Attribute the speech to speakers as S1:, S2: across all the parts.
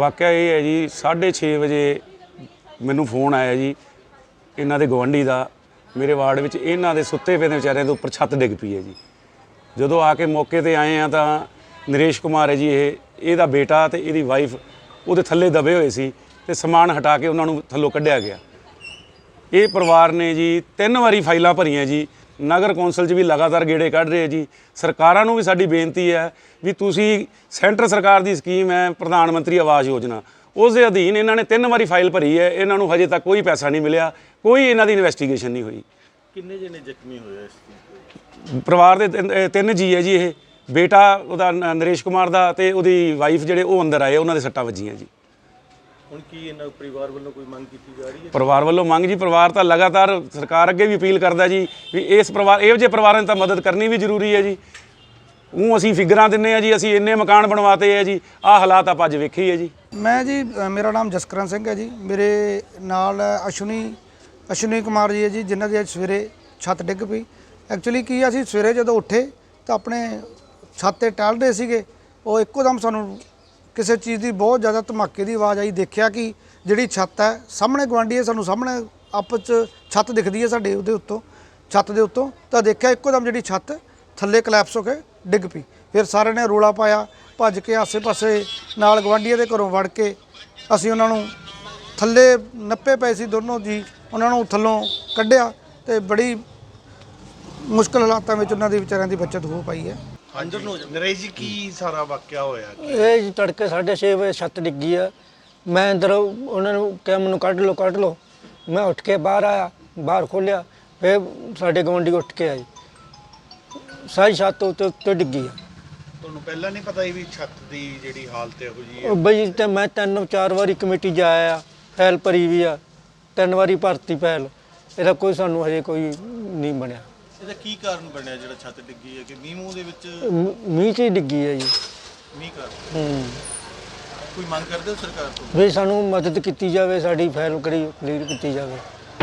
S1: ਵਾਕਿਆ ਇਹ ਹੈ ਜੀ 6:30 ਵਜੇ ਮੈਨੂੰ ਫੋਨ ਆਇਆ ਜੀ ਇਹਨਾਂ ਦੇ ਗਵੰਡੀ ਦਾ ਮੇਰੇ ਵਾਰਡ ਵਿੱਚ ਇਹਨਾਂ ਦੇ ਸੁੱਤੇ ਪਏ ਦੇ ਵਿਚਾਰਿਆਂ ਦੇ ਉੱਪਰ ਛੱਤ ਡਿੱਗ ਪਈ ਹੈ ਜੀ। ਜਦੋਂ ਆ ਕੇ ਮੌਕੇ ਤੇ ਆਏ ਆ ਤਾਂ ਨਰੇਸ਼ ਕੁਮਾਰ ਹੈ ਜੀ ਇਹਦਾ ਬੇਟਾ ਤੇ ਇਹਦੀ ਵਾਈਫ ਉਹਦੇ ਥੱਲੇ ਦਬੇ ਹੋਏ ਸੀ ਤੇ ਸਮਾਨ ਹਟਾ ਕੇ ਉਹਨਾਂ ਨੂੰ ਥੱਲੋਂ ਕੱਢਿਆ ਗਿਆ। ਇਹ ਪਰਿਵਾਰ ਨੇ ਜੀ 3 ਵਾਰੀ ਫਾਈਲਾਂ ਭਰੀਆਂ ਜੀ, ਨਗਰ ਕੌਂਸਲ 'ਚ ਵੀ ਲਗਾਤਾਰ ਗੇੜੇ ਕੱਢ ਰਹੇ ਜੀ। ਸਰਕਾਰਾਂ ਨੂੰ ਵੀ ਸਾਡੀ ਬੇਨਤੀ ਹੈ ਵੀ ਤੁਸੀਂ ਸੈਂਟਰ ਸਰਕਾਰ ਦੀ ਸਕੀਮ ਹੈ ਪ੍ਰਧਾਨ ਮੰਤਰੀ ਆਵਾਸ ਯੋਜਨਾ, ਉਸ ਦੇ ਅਧੀਨ ਇਹਨਾਂ ਨੇ 3 ਵਾਰੀ ਫਾਈਲ ਭਰੀ ਹੈ, ਇਹਨਾਂ ਨੂੰ ਹਜੇ ਤੱਕ ਕੋਈ ਪੈਸਾ ਨਹੀਂ ਮਿਲਿਆ, ਕੋਈ ਇਹਨਾਂ ਦੀ ਇਨਵੈਸਟੀਗੇਸ਼ਨ ਨਹੀਂ ਹੋਈ।
S2: ਕਿੰਨੇ ਜਣੇ ਜ਼ਖਮੀ ਹੋਏ ਇਸ
S1: ਪਰਿਵਾਰ ਦੇ 3 ਜੀ ਹੈ ਜੀ। ਇਹ ਬੇਟਾ ਉਹਦਾ ਨਰੇਸ਼ ਕੁਮਾਰ ਦਾ ਤੇ ਉਹਦੀ ਵਾਈਫ ਜਿਹੜੇ ਉਹ ਅੰਦਰ ਆਏ, ਉਹਨਾਂ ਦੇ ਸੱਟਾਂ ਵੱਜੀਆਂ ਜੀ।
S2: ਹੁਣ ਕੀ ਇਹਨਾਂ ਪਰਿਵਾਰ ਵੱਲੋਂ ਕੋਈ ਮੰਗ ਕੀਤੀ ਜਾ ਰਹੀ ਹੈ?
S1: ਪਰਿਵਾਰ ਵੱਲੋਂ ਮੰਗ ਜੀ, ਪਰਿਵਾਰ ਤਾਂ ਲਗਾਤਾਰ ਸਰਕਾਰ ਅੱਗੇ ਵੀ ਅਪੀਲ ਕਰਦਾ ਜੀ ਵੀ ਇਸ ਪਰਿਵਾਰ ਇਹੋ ਜਿਹੇ ਪਰਿਵਾਰਾਂ ਦੀ ਤਾਂ ਮਦਦ ਕਰਨੀ ਵੀ ਜ਼ਰੂਰੀ ਹੈ ਜੀ। ਉਹ ਅਸੀਂ ਫਿਗਰਾਂ ਦਿੰਦੇ ਹਾਂ ਜੀ, ਅਸੀਂ ਇੰਨੇ ਮਕਾਨ ਬਣਵਾਤੇ ਹੈ ਜੀ, ਆਹ ਹਾਲਾਤ ਆਪਾਂ ਅੱਜ ਵੇਖੇ ਹੀ ਹੈ ਜੀ।
S3: ਮੈਂ ਜੀ ਮੇਰਾ ਨਾਮ ਜਸਕਰਨ ਸਿੰਘ ਹੈ ਜੀ। ਮੇਰੇ ਨਾਲ ਅਸ਼ਵਨੀ ਕੁਮਾਰ ਜੀ ਹੈ ਜੀ, ਜਿਨ੍ਹਾਂ ਦੀ ਅੱਜ ਸਵੇਰੇ ਛੱਤ ਡਿੱਗ ਪਈ। ਐਕਚੁਅਲੀ ਕੀ ਅਸੀਂ ਸਵੇਰੇ ਜਦੋਂ ਉੱਠੇ ਤਾਂ ਆਪਣੇ ਛੱਤ ਤੇ ਟਹਿਲ ਰਹੇ ਸੀਗੇ, ਉਹ ਇੱਕੋ ਦਮ ਸਾਨੂੰ ਕਿਸੇ ਚੀਜ਼ ਦੀ ਬਹੁਤ ਜ਼ਿਆਦਾ ਧਮਾਕੇ ਦੀ ਆਵਾਜ਼ ਆਈ। ਦੇਖਿਆ ਕਿ ਜਿਹੜੀ ਛੱਤ ਹੈ ਸਾਹਮਣੇ ਗੁਆਂਢੀ ਹੈ, ਸਾਨੂੰ ਸਾਹਮਣੇ ਆਪਸ 'ਚ ਛੱਤ ਦਿਖਦੀ ਹੈ ਸਾਡੇ ਉਹਦੇ ਉੱਤੋਂ, ਛੱਤ ਦੇ ਉੱਤੋਂ, ਤਾਂ ਦੇਖਿਆ ਇੱਕੋ ਦਮ ਜਿਹੜੀ ਛੱਤ ਥੱਲੇ ਕਲੈਪਸ ਹੋ ਕੇ ਡਿੱਗ ਪਈ। ਫਿਰ ਸਾਰਿਆਂ ਨੇ ਰੌਲਾ ਪਾਇਆ, ਭੱਜ ਕੇ ਆਸੇ-ਪਾਸੇ ਨਾਲ ਗੁਆਂਢੀਆਂ ਦੇ ਘਰੋਂ ਵੜ ਕੇ ਅਸੀਂ ਉਹਨਾਂ ਨੂੰ ਥੱਲੇ ਨੱਪੇ ਪਏ ਸੀ ਦੋਨੋਂ ਜੀ, ਉਹਨਾਂ ਨੂੰ ਥੱਲੋਂ ਕੱਢਿਆ ਤੇ ਬੜੀ ਮੁਸ਼ਕਲ ਹਾਲਾਤਾਂ ਵਿੱਚ ਉਹਨਾਂ ਦੀ ਵਿਚਾਰਿਆਂ ਦੀ ਬਚਤ ਹੋ ਪਾਈ ਹੈ।
S2: ਅੰਦਰ ਨੂੰ ਨਰੇਸ਼ ਜੀ ਕੀ ਸਾਰਾ ਵਾਕਿਆ ਹੋਇਆ?
S4: ਇਹ ਜੀ ਤੜਕੇ 6:30 ਵਜੇ ਛੱਤ ਡਿੱਗੀ ਆ। ਮੈਂ ਅੰਦਰ ਉਹਨਾਂ ਨੂੰ ਕਿਹਾ ਮੈਨੂੰ ਕੱਢ ਲਓ। ਮੈਂ ਉੱਠ ਕੇ ਬਾਹਰ ਆਇਆ, ਬਾਹਰ ਖੋਲ੍ਹਿਆ, ਫਿਰ ਸਾਡੇ ਗੁਆਂਢੀ ਉੱਠ ਕੇ ਆਏ, ਸਾਰੀ ਛੱਤ ਉੱਤੇ ਡਿੱਗੀ ਆ।
S2: ਤੁਹਾਨੂੰ ਪਹਿਲਾਂ ਨਹੀਂ ਪਤਾ ਵੀ ਛੱਤ ਦੀ ਜਿਹੜੀ ਹਾਲਤ ਇਹੋ ਜਿਹੀ ਹੈ?
S4: ਉਹ ਬਈ ਤੇ ਮੈਂ 3-4 ਵਾਰੀ ਕਮੇਟੀ ਜਾਇਆ, ਫਾਈਲ ਭਰੀ ਵੀ ਆ, 3 ਵਾਰੀ ਭਰਤੀ ਫਾਈਲ, ਇਹਦਾ ਕੋਈ ਸਾਨੂੰ ਹਜੇ ਕੋਈ ਨਹੀਂ ਬਣਿਆ।
S2: ਇਹਦਾ ਕੀ ਕਾਰਨ ਬਣਿਆ ਜਿਹੜਾ ਛੱਤ ਡਿੱਗੀ ਹੈ? ਕਿ ਮੀਂਹ ਦੇ ਵਿੱਚ
S4: ਮੀਂਹ 'ਚ ਹੀ ਡਿੱਗੀ ਹੈ ਜੀ।
S2: ਮੀਂਹ
S4: ਹੂੰ।
S2: ਕੋਈ ਮੰਗ ਕਰਦੇ ਹੋ ਸਰਕਾਰ ਤੋਂ?
S4: ਵੀ ਸਾਨੂੰ ਮਦਦ ਕੀਤੀ ਜਾਵੇ, ਸਾਡੀ ਫਾਈਲ ਕਲੀਅਰ ਕੀਤੀ ਜਾਵੇ।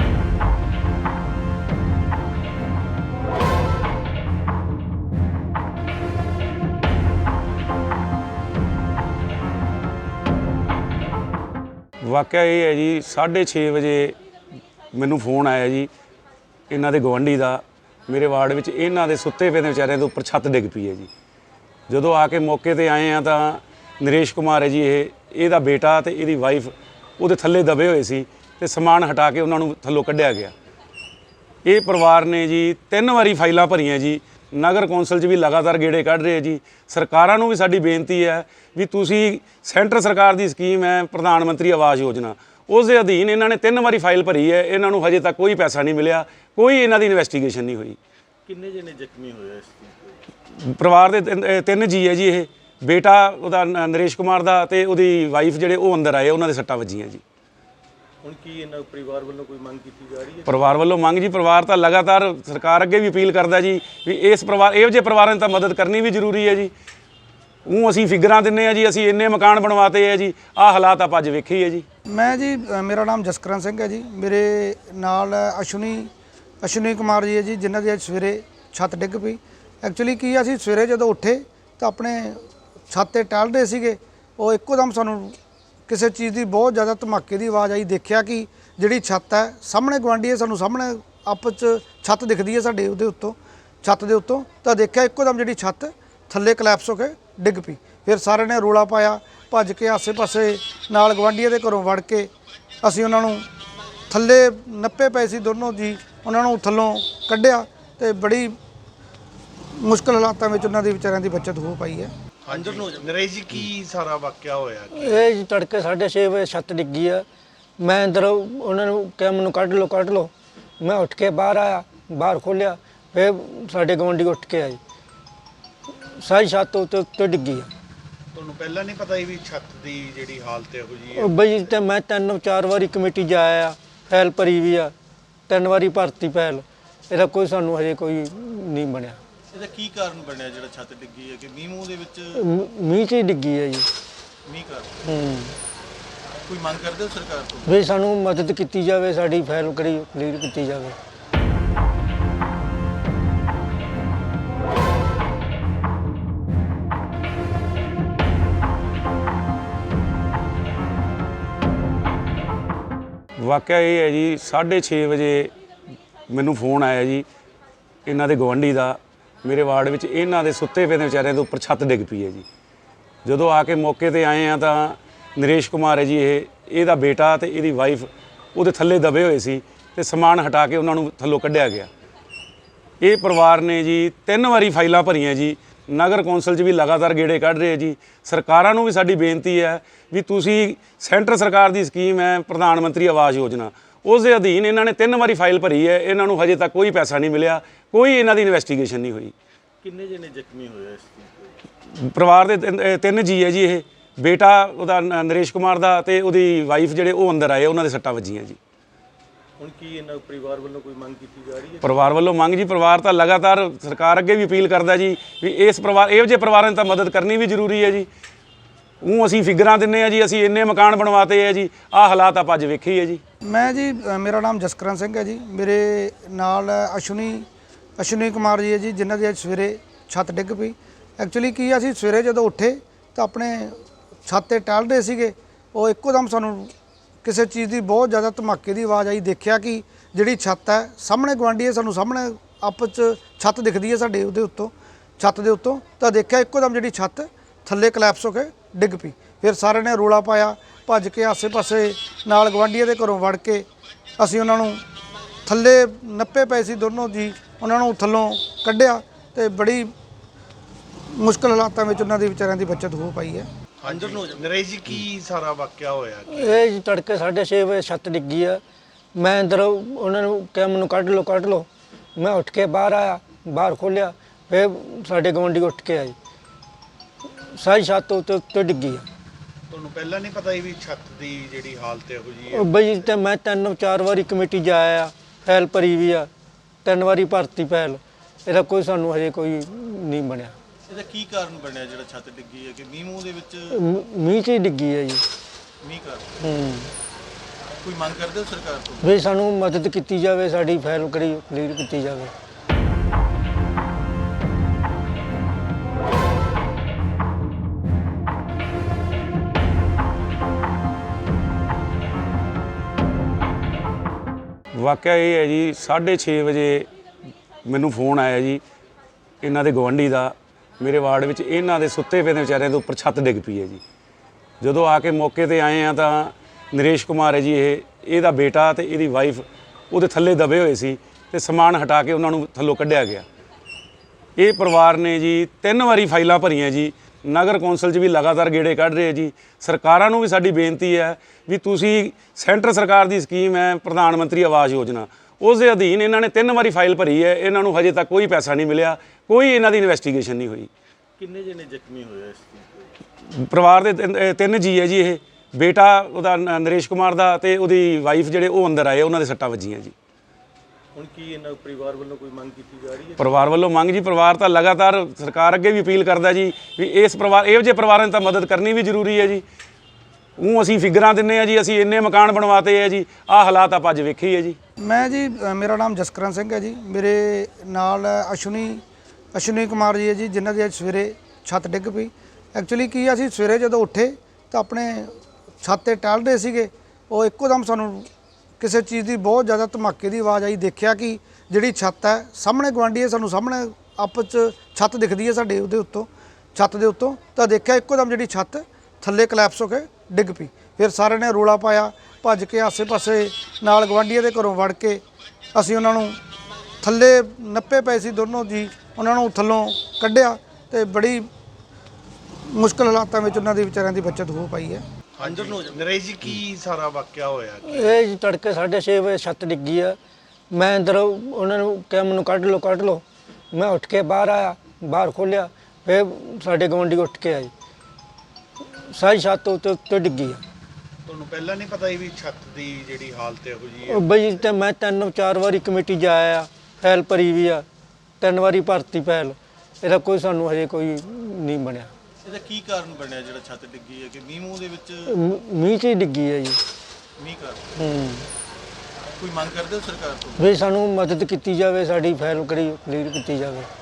S1: ਵਾਕਿਆ ਇਹ ਹੈ ਜੀ 6:30 ਵਜੇ ਮੈਨੂੰ ਫੋਨ ਆਇਆ ਜੀ ਇਹਨਾਂ ਦੇ ਗਵੰਡੀ ਦਾ ਮੇਰੇ ਵਾਰਡ ਵਿੱਚ ਇਹਨਾਂ ਦੇ ਸੁੱਤੇ ਪਏ ਦੇ ਵਿਚਾਰਿਆਂ ਦੇ ਉੱਪਰ ਛੱਤ ਡਿੱਗ ਪਈ ਹੈ ਜੀ। ਜਦੋਂ ਆ ਕੇ ਮੌਕੇ ਤੇ ਆਏ ਆ ਤਾਂ ਨਰੇਸ਼ ਕੁਮਾਰ ਹੈ ਜੀ ਇਹਦਾ ਬੇਟਾ ਤੇ ਇਹਦੀ ਵਾਈਫ ਉਹਦੇ ਥੱਲੇ ਦਬੇ ਹੋਏ ਸੀ ਤੇ ਸਮਾਨ ਹਟਾ ਕੇ ਉਹਨਾਂ ਨੂੰ ਥੱਲੋਂ ਕੱਢਿਆ ਗਿਆ। ਇਹ ਪਰਿਵਾਰ ਨੇ ਜੀ 3 ਵਾਰੀ ਫਾਈਲਾਂ ਭਰੀਆਂ ਜੀ, ਨਗਰ ਕੌਂਸਲ 'ਚ ਵੀ ਲਗਾਤਾਰ ਗੇੜੇ ਕੱਢ ਰਹੇ ਜੀ। ਸਰਕਾਰਾਂ ਨੂੰ ਵੀ ਸਾਡੀ ਬੇਨਤੀ ਹੈ ਵੀ ਤੁਸੀਂ ਸੈਂਟਰ ਸਰਕਾਰ ਦੀ ਸਕੀਮ ਹੈ ਪ੍ਰਧਾਨ ਮੰਤਰੀ ਆਵਾਸ ਯੋਜਨਾ, ਉਸ ਦੇ ਅਧੀਨ ਇਹਨਾਂ ਨੇ 3 ਵਾਰੀ ਫਾਈਲ ਭਰੀ ਹੈ, ਇਹਨਾਂ ਨੂੰ ਹਜੇ ਤੱਕ ਕੋਈ ਪੈਸਾ ਨਹੀਂ ਮਿਲਿਆ, ਕੋਈ ਇਹਨਾਂ ਦੀ ਇਨਵੈਸਟੀਗੇਸ਼ਨ ਨਹੀਂ ਹੋਈ।
S2: ਕਿੰਨੇ ਜਣੇ ਜ਼ਖਮੀ ਹੋਏ ਇਸ
S1: ਪਰਿਵਾਰ ਦੇ 3 ਜੀ ਹੈ ਜੀ। ਇਹ ਬੇਟਾ ਉਹਦਾ ਨਰੇਸ਼ ਕੁਮਾਰ ਦਾ ਤੇ ਉਹਦੀ ਵਾਈਫ ਜਿਹੜੇ ਉਹ ਅੰਦਰ ਆਏ, ਉਹਨਾਂ ਦੇ ਸੱਟਾਂ ਵੱਜੀਆਂ ਜੀ।
S2: ਹੁਣ ਕੀ ਇਹਨਾਂ ਪਰਿਵਾਰ ਵੱਲੋਂ ਕੋਈ ਮੰਗ ਕੀਤੀ ਜਾ ਰਹੀ ਹੈ?
S1: ਪਰਿਵਾਰ ਵੱਲੋਂ ਮੰਗ ਜੀ, ਪਰਿਵਾਰ ਤਾਂ ਲਗਾਤਾਰ ਸਰਕਾਰ ਅੱਗੇ ਵੀ ਅਪੀਲ ਕਰਦਾ ਜੀ ਵੀ ਇਸ ਪਰਿਵਾਰ ਇਹੋ ਜਿਹੇ ਪਰਿਵਾਰਾਂ ਦੀ ਤਾਂ ਮਦਦ ਕਰਨੀ ਵੀ ਜ਼ਰੂਰੀ ਹੈ ਜੀ। ਉਹ ਅਸੀਂ ਫਿਗਰਾਂ ਦਿੰਦੇ ਹਾਂ ਜੀ, ਅਸੀਂ ਇੰਨੇ ਮਕਾਨ ਬਣਵਾਤੇ ਹੈ ਜੀ, ਆਹ ਹਾਲਾਤ ਆਪਾਂ ਅੱਜ ਵੇਖੇ ਹੀ ਹੈ ਜੀ।
S3: ਮੈਂ ਜੀ ਮੇਰਾ ਨਾਮ ਜਸਕਰਨ ਸਿੰਘ ਹੈ ਜੀ। ਮੇਰੇ ਨਾਲ ਅਸ਼ਵਨੀ ਕੁਮਾਰ ਜੀ ਹੈ ਜੀ, ਜਿਨ੍ਹਾਂ ਦੀ ਅੱਜ ਸਵੇਰੇ ਛੱਤ ਡਿੱਗ ਪਈ। ਐਕਚੁਅਲੀ ਕੀ ਅਸੀਂ ਸਵੇਰੇ ਜਦੋਂ ਉੱਠੇ ਤਾਂ ਆਪਣੇ ਛੱਤ ਤੇ ਟਹਿਲ ਰਹੇ ਸੀਗੇ, ਉਹ ਇੱਕੋ ਦਮ ਸਾਨੂੰ ਕਿਸੇ ਚੀਜ਼ ਦੀ ਬਹੁਤ ਜ਼ਿਆਦਾ ਧਮਾਕੇ ਦੀ ਆਵਾਜ਼ ਆਈ। ਦੇਖਿਆ ਕਿ ਜਿਹੜੀ ਛੱਤ ਹੈ ਸਾਹਮਣੇ ਗੁਆਂਢੀ ਹੈ, ਸਾਨੂੰ ਸਾਹਮਣੇ ਆਪਸ 'ਚ ਛੱਤ ਦਿਖਦੀ ਹੈ ਸਾਡੇ ਉਹਦੇ ਉੱਤੋਂ, ਛੱਤ ਦੇ ਉੱਤੋਂ, ਤਾਂ ਦੇਖਿਆ ਇੱਕੋ ਦਮ ਜਿਹੜੀ ਛੱਤ ਥੱਲੇ ਕਲੈਪਸ ਹੋ ਕੇ ਡਿੱਗ ਪਈ। ਫਿਰ ਸਾਰਿਆਂ ਨੇ ਰੌਲਾ ਪਾਇਆ, ਭੱਜ ਕੇ ਆਸੇ-ਪਾਸੇ ਨਾਲ ਗੁਆਂਢੀਆਂ ਦੇ ਘਰੋਂ ਵੜ ਕੇ ਅਸੀਂ ਉਹਨਾਂ ਨੂੰ ਥੱਲੇ ਨੱਪੇ ਪਏ ਸੀ ਦੋਨੋਂ ਜੀ, ਉਹਨਾਂ ਨੂੰ ਥੱਲੋਂ ਕੱਢਿਆ ਤੇ ਬੜੀ ਮੁਸ਼ਕਲ ਹਾਲਾਤਾਂ ਵਿੱਚ ਉਹਨਾਂ ਦੀ ਵਿਚਾਰਿਆਂ ਦੀ ਬਚਤ ਹੋ ਪਾਈ ਹੈ।
S2: ਅੰਦਰ ਨੂੰ ਨਰੇਸ਼ ਜੀ ਕੀ ਸਾਰਾ ਵਾਕਿਆ ਹੋਇਆ?
S4: ਇਹ ਜੀ ਤੜਕੇ 6:30 ਵਜੇ ਛੱਤ ਡਿੱਗੀ ਆ। ਮੈਂ ਅੰਦਰ ਉਹਨਾਂ ਨੂੰ ਕਿਹਾ ਮੈਨੂੰ ਕੱਢ ਲਓ। ਮੈਂ ਉੱਠ ਕੇ ਬਾਹਰ ਆਇਆ, ਬਾਹਰ ਖੋਲ੍ਹਿਆ, ਫਿਰ ਸਾਡੇ ਗੁਆਂਢੀ ਉੱਠ ਕੇ ਆਏ, ਸਾਰੀ ਛੱਤ ਉੱਤੇ ਡਿੱਗੀ ਆ।
S2: ਤੁਹਾਨੂੰ ਪਹਿਲਾਂ ਨਹੀਂ ਪਤਾ ਵੀ ਛੱਤ ਦੀ ਜਿਹੜੀ ਹਾਲਤ ਇਹੋ ਜਿਹੀ ਹੈ?
S4: ਉਹ ਬਈ ਤੇ ਮੈਂ 3-4 ਵਾਰੀ ਕਮੇਟੀ ਜਾਇਆ, ਫਾਈਲ ਭਰੀ ਵੀ ਆ, 3 ਵਾਰੀ ਭਰਤੀ ਫਾਈਲ, ਇਹਦਾ ਕੋਈ ਸਾਨੂੰ ਹਜੇ ਕੋਈ ਨਹੀਂ ਬਣਿਆ।
S2: ਇਹਦਾ ਕੀ ਕਾਰਨ ਬਣਿਆ ਜਿਹੜਾ ਛੱਤ ਡਿੱਗੀ ਹੈ? ਕਿ ਮੀਂਹ ਦੇ ਵਿੱਚ
S4: ਮੀਂਹ 'ਚ ਹੀ ਡਿੱਗੀ ਹੈ ਜੀ।
S2: ਮੀਂਹ ਕਾਰਨ
S4: ਹੂੰ।
S2: ਕੋਈ ਮੰਗ ਕਰਦੇ ਹੋ ਸਰਕਾਰ ਤੋਂ?
S4: ਵੀ ਸਾਨੂੰ ਮਦਦ ਕੀਤੀ ਜਾਵੇ, ਸਾਡੀ ਫਾਈਲ ਕਲੀਅਰ ਕੀਤੀ ਜਾਵੇ।
S1: ਵਾਕਿਆ ਇਹ ਹੈ ਜੀ 6:30 ਵਜੇ ਮੈਨੂੰ ਫੋਨ ਆਇਆ ਜੀ ਇਹਨਾਂ ਦੇ ਗਵਾਂਢੀ ਦਾ। ਮੇਰੇ ਵਾਰਡ ਵਿੱਚ ਇਹਨਾਂ ਦੇ ਸੁੱਤੇ ਪਏ ਦੇ ਵਿਚਾਰਿਆਂ ਦੇ ਉੱਪਰ ਛੱਤ ਡਿੱਗ ਪਈ ਹੈ ਜੀ। ਜਦੋਂ ਆ ਕੇ ਮੌਕੇ ਤੇ ਆਏ ਆ ਤਾਂ ਨਰੇਸ਼ ਕੁਮਾਰ ਹੈ ਜੀ, ਇਹਦਾ ਬੇਟਾ ਤੇ ਇਹਦੀ ਵਾਈਫ ਉਹਦੇ ਥੱਲੇ ਦਬੇ ਹੋਏ ਸੀ ਤੇ ਸਮਾਨ ਹਟਾ ਕੇ ਉਹਨਾਂ ਨੂੰ ਥੱਲੋਂ ਕੱਢਿਆ ਗਿਆ। ਇਹ ਪਰਿਵਾਰ ਨੇ ਜੀ 3 ਵਾਰੀ ਫਾਈਲਾਂ ਭਰੀਆਂ ਜੀ, ਨਗਰ ਕੌਂਸਲ 'ਚ ਵੀ ਲਗਾਤਾਰ ਗੇੜੇ ਕੱਢ ਰਹੇ ਜੀ। ਸਰਕਾਰਾਂ ਨੂੰ ਵੀ ਸਾਡੀ ਬੇਨਤੀ ਹੈ ਵੀ ਤੁਸੀਂ ਸੈਂਟਰ ਸਰਕਾਰ ਦੀ ਸਕੀਮ ਹੈ ਪ੍ਰਧਾਨ ਮੰਤਰੀ ਆਵਾਸ ਯੋਜਨਾ, ਉਸ ਦੇ ਅਧੀਨ ਇਹਨਾਂ ਨੇ 3 ਵਾਰੀ ਫਾਈਲ ਭਰੀ ਹੈ, ਇਹਨਾਂ ਨੂੰ ਹਜੇ ਤੱਕ ਕੋਈ ਪੈਸਾ ਨਹੀਂ ਮਿਲਿਆ, ਕੋਈ ਇਹਨਾਂ ਦੀ ਇਨਵੈਸਟੀਗੇਸ਼ਨ ਨਹੀਂ ਹੋਈ।
S2: ਕਿੰਨੇ ਜਣੇ ਜ਼ਖਮੀ ਹੋਏ ਇਸ ਚੀਜ਼ ਤੋਂ?
S1: ਪਰਿਵਾਰ ਦੇ 3 ਜੀ ਹੈ ਜੀ। ਇਹ ਬੇਟਾ ਉਹਦਾ ਨਰੇਸ਼ ਕੁਮਾਰ ਦਾ ਤੇ ਉਹਦੀ ਵਾਈਫ ਜਿਹੜੇ ਉਹ ਅੰਦਰ ਆਏ, ਉਹਨਾਂ ਦੇ ਸੱਟਾਂ ਵੱਜੀਆਂ ਜੀ।
S2: ਹੁਣ ਕੀ ਇਹਨਾਂ ਪਰਿਵਾਰ ਵੱਲੋਂ ਕੋਈ ਮੰਗ ਕੀਤੀ ਜਾ ਰਹੀ ਹੈ?
S1: ਪਰਿਵਾਰ ਵੱਲੋਂ ਮੰਗ ਜੀ, ਪਰਿਵਾਰ ਤਾਂ ਲਗਾਤਾਰ ਸਰਕਾਰ ਅੱਗੇ ਵੀ ਅਪੀਲ ਕਰਦਾ ਜੀ ਵੀ ਇਸ ਪਰਿਵਾਰ ਇਹੋ ਜਿਹੇ ਪਰਿਵਾਰਾਂ ਦੀ ਤਾਂ ਮਦਦ ਕਰਨੀ ਵੀ ਜ਼ਰੂਰੀ ਹੈ ਜੀ। ਉਹ ਅਸੀਂ ਫਿਗਰਾਂ ਦਿੰਨੇ ਆ ਜੀ, ਅਸੀਂ ਇੰਨੇ ਮਕਾਨ ਬਣਵਾਤੇ ਹੈ ਜੀ, ਆਹ ਹਾਲਾਤ ਆਪਾਂ ਅੱਜ ਵੇਖੀ ਹੈ ਜੀ।
S3: ਮੈਂ ਜੀ ਮੇਰਾ ਨਾਮ ਜਸਕਰਨ ਸਿੰਘ ਹੈ ਜੀ। ਮੇਰੇ ਨਾਲ ਅਸ਼ਵਨੀ ਕੁਮਾਰ ਜੀ ਹੈ ਜੀ, ਜਿਨ੍ਹਾਂ ਦੀ ਅੱਜ ਸਵੇਰੇ ਛੱਤ ਡਿੱਗ ਪਈ। ਐਕਚੁਅਲੀ ਕੀ ਅਸੀਂ ਸਵੇਰੇ ਜਦੋਂ ਉੱਠੇ ਤਾਂ ਆਪਣੇ ਛੱਤ ਤੇ ਟਹਿਲਦੇ ਸੀਗੇ, ਉਹ ਇੱਕੋ ਦਮ ਸਾਨੂੰ ਕਿਸੇ ਚੀਜ਼ ਦੀ ਬਹੁਤ ਜ਼ਿਆਦਾ ਧਮਾਕੇ ਦੀ ਆਵਾਜ਼ ਆਈ। ਦੇਖਿਆ ਕਿ ਜਿਹੜੀ ਛੱਤ ਹੈ ਸਾਹਮਣੇ ਗਵਾਂਢੀ ਹੈ, ਸਾਨੂੰ ਸਾਹਮਣੇ ਆਪਸ 'ਚ ਛੱਤ ਦਿਖਦੀ ਹੈ ਸਾਡੇ ਉਹਦੇ ਉੱਤੋਂ, ਛੱਤ ਦੇ ਉੱਤੋਂ। ਤਾਂ ਦੇਖਿਆ ਇੱਕੋ ਦਮ ਜਿਹੜੀ ਛੱਤ ਥੱਲੇ ਕਲੈਪਸ ਹੋ ਕੇ ਡਿੱਗ ਪਈ। ਫਿਰ ਸਾਰਿਆਂ ਨੇ ਰੌਲਾ ਪਾਇਆ, ਭੱਜ ਕੇ ਆਸੇ-ਪਾਸੇ ਨਾਲ ਗਵਾਂਢੀਆਂ ਦੇ ਘਰੋਂ ਵੜ ਕੇ ਅਸੀਂ ਉਹਨਾਂ ਨੂੰ ਥੱਲੇ ਨੱਪੇ ਪਏ ਸੀ ਦੋਨੋਂ ਜੀ, ਉਹਨਾਂ ਨੂੰ ਥੱਲੋਂ ਕੱਢਿਆ ਤੇ ਬੜੀ ਮੁਸ਼ਕਲ ਹਾਲਾਤਾਂ ਵਿੱਚ ਉਹਨਾਂ ਦੇ ਵਿਚਾਰਿਆਂ ਦੀ ਬਚਤ ਹੋ ਪਾਈ ਹੈ।
S2: ਅੰਦਰ ਨੂੰ ਨਰੇਸ਼ ਜੀ, ਕੀ ਸਾਰਾ ਵਾਕਿਆ ਹੋਇਆ?
S4: ਇਹ ਜੀ ਤੜਕੇ 6:30 ਵਜੇ ਛੱਤ ਡਿੱਗੀ ਆ। ਮੈਂ ਅੰਦਰ ਉਹਨਾਂ ਨੂੰ ਕਿਹਾ ਮੈਨੂੰ ਕੱਢ ਲਓ। ਮੈਂ ਉੱਠ ਕੇ ਬਾਹਰ ਆਇਆ, ਬਾਹਰ ਖੋਲ੍ਹਿਆ, ਫਿਰ ਸਾਡੇ ਗੁਆਂਢੀ ਉੱਠ ਕੇ ਆਏ। ਸਾਰੀ ਛੱਤ ਉੱਤੇ ਡਿੱਗੀ ਆ।
S2: ਤੁਹਾਨੂੰ ਪਹਿਲਾਂ ਨਹੀਂ ਪਤਾ ਸੀ ਵੀ ਛੱਤ ਦੀ ਜਿਹੜੀ ਹਾਲਤ ਇਹੋ ਜਿਹੀ ਹੈ?
S4: ਉਹ ਬਈ ਤੇ ਮੈਂ 3-4 ਵਾਰੀ ਕਮੇਟੀ ਜਾਇਆ ਆ, ਫਾਈਲ ਭਰੀ ਵੀ ਆ, 3 ਵਾਰੀ ਭਰਤੀ ਫਾਈਲ, ਇਹਦਾ ਕੋਈ ਸਾਨੂੰ ਹਜੇ ਕੋਈ ਨਹੀਂ ਬਣਿਆ।
S2: ਇਹਦਾ ਕੀ ਕਾਰਨ ਬਣਿਆ ਜਿਹੜਾ ਛੱਤ ਡਿੱਗੀ ਹੈ? ਕਿ ਮੀਂਹ ਮੂੰਹ ਦੇ ਵਿੱਚ
S4: ਮੀਂਹ 'ਚ ਹੀ ਡਿੱਗੀ ਹੈ ਜੀ।
S2: ਮੀਂਹ ਕਾਰਨ
S4: ਹੂੰ,
S2: ਕੋਈ ਮੰਗ ਕਰਦੇ ਹੋ ਸਰਕਾਰ ਤੋਂ?
S4: ਵੀ ਸਾਨੂੰ ਮਦਦ ਕੀਤੀ ਜਾਵੇ, ਸਾਡੀ ਫਾਈਲ ਕਲੀਅਰ ਕੀਤੀ ਜਾਵੇ।
S1: ਵਾਕਿਆ ਇਹ ਹੈ ਜੀ 6:30 ਵਜੇ ਮੈਨੂੰ ਫੋਨ ਆਇਆ ਜੀ ਇਹਨਾਂ ਦੇ ਗਵਾਂਢੀ ਦਾ। ਮੇਰੇ ਵਾਰਡ ਵਿੱਚ ਇਹਨਾਂ ਦੇ ਸੁੱਤੇ ਪਏ ਦੇ ਵਿਚਾਰਿਆਂ ਦੇ ਉੱਪਰ ਛੱਤ ਡਿੱਗ ਪਈ ਹੈ ਜੀ। ਜਦੋਂ ਆ ਕੇ ਮੌਕੇ ਤੇ ਆਏ ਆ ਤਾਂ ਨਰੇਸ਼ ਕੁਮਾਰ ਹੈ ਜੀ, ਇਹਦਾ ਬੇਟਾ ਤੇ ਇਹਦੀ ਵਾਈਫ ਉਹਦੇ ਥੱਲੇ ਦਬੇ ਹੋਏ ਸੀ ਤੇ ਸਮਾਨ ਹਟਾ ਕੇ ਉਹਨਾਂ ਨੂੰ ਥੱਲੋਂ ਕੱਢਿਆ ਗਿਆ। ਇਹ ਪਰਿਵਾਰ ਨੇ ਜੀ 3 ਵਾਰੀ ਫਾਈਲਾਂ ਭਰੀਆਂ ਜੀ, ਨਗਰ ਕੌਂਸਲ 'ਚ ਵੀ ਲਗਾਤਾਰ ਗੇੜੇ ਕੱਢ ਰਹੇ ਜੀ। ਸਰਕਾਰਾਂ ਨੂੰ ਵੀ ਸਾਡੀ ਬੇਨਤੀ ਹੈ ਵੀ ਤੁਸੀਂ ਸੈਂਟਰ ਸਰਕਾਰ ਦੀ ਸਕੀਮ ਹੈ ਪ੍ਰਧਾਨ ਮੰਤਰੀ ਆਵਾਸ ਯੋਜਨਾ, ਉਸ ਦੇ ਅਧੀਨ ਇਹਨਾਂ ਨੇ 3 ਵਾਰੀ ਫਾਈਲ ਭਰੀ ਹੈ, ਇਹਨਾਂ ਨੂੰ ਹਜੇ ਤੱਕ ਕੋਈ ਪੈਸਾ ਨਹੀਂ ਮਿਲਿਆ, ਕੋਈ ਇਹਨਾਂ ਦੀ ਇਨਵੈਸਟੀਗੇਸ਼ਨ ਨਹੀਂ ਹੋਈ।
S2: ਕਿੰਨੇ ਜਣੇ ਜ਼ਖਮੀ ਹੋਏ ਇਸ ਚੀਜ਼ ਤੋਂ?
S1: ਪਰਿਵਾਰ ਦੇ 3 ਜੀ ਹੈ ਜੀ। ਇਹ ਬੇਟਾ ਉਹਦਾ ਨਰੇਸ਼ ਕੁਮਾਰ ਦਾ ਤੇ ਉਹਦੀ ਵਾਈਫ ਜਿਹੜੇ ਉਹ ਅੰਦਰ ਆਏ, ਉਹਨਾਂ ਦੇ ਸੱਟਾਂ ਵੱਜੀਆਂ ਜੀ।
S2: ਹੁਣ ਕੀ ਇਹਨਾਂ ਪਰਿਵਾਰ ਵੱਲੋਂ ਕੋਈ ਮੰਗ ਕੀਤੀ ਜਾ ਰਹੀ ਹੈ?
S1: ਪਰਿਵਾਰ ਵੱਲੋਂ ਮੰਗ ਜੀ, ਪਰਿਵਾਰ ਤਾਂ ਲਗਾਤਾਰ ਸਰਕਾਰ ਅੱਗੇ ਵੀ ਅਪੀਲ ਕਰਦਾ ਜੀ ਵੀ ਇਸ ਪਰਿਵਾਰ ਇਹੋ ਜਿਹੇ ਪਰਿਵਾਰਾਂ ਦੀ ਤਾਂ ਮਦਦ ਕਰਨੀ ਵੀ ਜ਼ਰੂਰੀ ਹੈ ਜੀ। ਉਹ ਅਸੀਂ ਫਿਗਰਾਂ ਦਿੰਨੇ ਆ ਜੀ, ਅਸੀਂ ਇੰਨੇ ਮਕਾਨ ਬਣਵਾਤੇ ਹੈ ਜੀ, ਆਹ ਹਾਲਾਤ ਆਪਾਂ ਅੱਜ ਵੇਖੀ ਹੈ ਜੀ।
S3: ਮੈਂ ਜੀ ਮੇਰਾ ਨਾਮ ਜਸਕਰਨ ਸਿੰਘ ਹੈ ਜੀ। ਮੇਰੇ ਨਾਲ ਅਸ਼ਵਨੀ ਕੁਮਾਰ ਜੀ ਹੈ ਜੀ, ਜਿਨ੍ਹਾਂ ਦੀ ਅੱਜ ਸਵੇਰੇ ਛੱਤ ਡਿੱਗ ਪਈ। ਐਕਚੁਅਲੀ ਕੀ ਅਸੀਂ ਸਵੇਰੇ ਜਦੋਂ ਉੱਠੇ ਤਾਂ ਆਪਣੇ ਛੱਤ ਤੇ ਟਹਿਲਦੇ ਸੀਗੇ, ਉਹ ਇੱਕੋ ਦਮ ਸਾਨੂੰ ਕਿਸੇ ਚੀਜ਼ ਦੀ ਬਹੁਤ ਜ਼ਿਆਦਾ ਧਮਾਕੇ ਦੀ ਆਵਾਜ਼ ਆਈ। ਦੇਖਿਆ ਕਿ ਜਿਹੜੀ ਛੱਤ ਹੈ ਸਾਹਮਣੇ ਗਵਾਂਢੀ ਹੈ, ਸਾਨੂੰ ਸਾਹਮਣੇ ਆਪਸ 'ਚ ਛੱਤ ਦਿਖਦੀ ਹੈ ਸਾਡੇ ਉਹਦੇ ਉੱਤੋਂ, ਛੱਤ ਦੇ ਉੱਤੋਂ। ਤਾਂ ਦੇਖਿਆ ਇੱਕੋ ਦਮ ਜਿਹੜੀ ਛੱਤ ਥੱਲੇ ਕਲੈਪਸ ਹੋ ਕੇ ਡਿੱਗ ਪਈ। ਫਿਰ ਸਾਰਿਆਂ ਨੇ ਰੌਲਾ ਪਾਇਆ, ਭੱਜ ਕੇ ਆਸੇ-ਪਾਸੇ ਨਾਲ ਗਵਾਂਢੀਆਂ ਦੇ ਘਰੋਂ ਵੜ ਕੇ ਅਸੀਂ ਉਹਨਾਂ ਨੂੰ ਥੱਲੇ ਨੱਪੇ ਪਏ ਸੀ ਦੋਨੋਂ ਜੀ, ਉਹਨਾਂ ਨੂੰ ਥੱਲੋਂ ਕੱਢਿਆ ਤੇ ਬੜੀ ਮੁਸ਼ਕਲ ਹਾਲਾਤਾਂ ਵਿੱਚ ਉਹਨਾਂ ਦੇ ਵਿਚਾਰਿਆਂ ਦੀ ਬਚਤ ਹੋ ਪਾਈ ਹੈ।
S2: ਅੰਦਰ ਨੂੰ ਨਰੇਸ਼ ਜੀ, ਕੀ ਸਾਰਾ ਵਾਕਿਆ ਹੋਇਆ?
S4: ਇਹ ਜੀ ਤੜਕੇ 6:30 ਵਜੇ ਛੱਤ ਡਿੱਗੀ ਆ। ਮੈਂ ਅੰਦਰ ਉਹਨਾਂ ਨੂੰ ਕਿਹਾ ਮੈਨੂੰ ਕੱਢ ਲਓ। ਮੈਂ ਉੱਠ ਕੇ ਬਾਹਰ ਆਇਆ, ਬਾਹਰ ਖੋਲ੍ਹਿਆ, ਫਿਰ ਸਾਡੇ ਗੁਆਂਢੀ ਉੱਠ ਕੇ ਆਏ। ਸਾਰੀ ਛੱਤ ਉੱਤੇ ਡਿੱਗੀ ਆ।
S2: ਤੁਹਾਨੂੰ ਪਹਿਲਾਂ ਨਹੀਂ ਪਤਾ ਸੀ ਵੀ ਛੱਤ ਦੀ ਜਿਹੜੀ ਹਾਲਤ ਇਹੋ ਜਿਹੀ ਹੈ?
S4: ਉਹ ਬਈ ਤੇ ਮੈਂ 3-4 ਵਾਰੀ ਕਮੇਟੀ ਜਾਇਆ ਆ, ਫਾਈਲ ਭਰੀ ਵੀ ਆ, 3 ਵਾਰੀ ਭਰਤੀ ਫਾਈਲ, ਇਹਦਾ ਕੋਈ ਸਾਨੂੰ ਹਜੇ ਕੋਈ ਨਹੀਂ ਬਣਿਆ।
S2: ਇਹਦਾ ਕੀ ਕਾਰਨ ਬਣਿਆ ਜਿਹੜਾ ਛੱਤ ਡਿੱਗੀ ਹੈ? ਕਿ ਮੀਂਹ ਮੂੰਹ ਦੇ ਵਿੱਚ
S4: ਮੀਂਹ 'ਚ ਹੀ ਡਿੱਗੀ ਹੈ ਜੀ।
S2: ਮੀਂਹ ਕਾਰਨ
S4: ਹੂੰ,
S2: ਕੋਈ ਮੰਗ ਕਰਦੇ ਹੋ ਸਰਕਾਰ ਤੋਂ?
S4: ਵੀ ਸਾਨੂੰ ਮਦਦ ਕੀਤੀ ਜਾਵੇ, ਸਾਡੀ ਫਾਈਲ ਕਲੀਅਰ ਕੀਤੀ ਜਾਵੇ।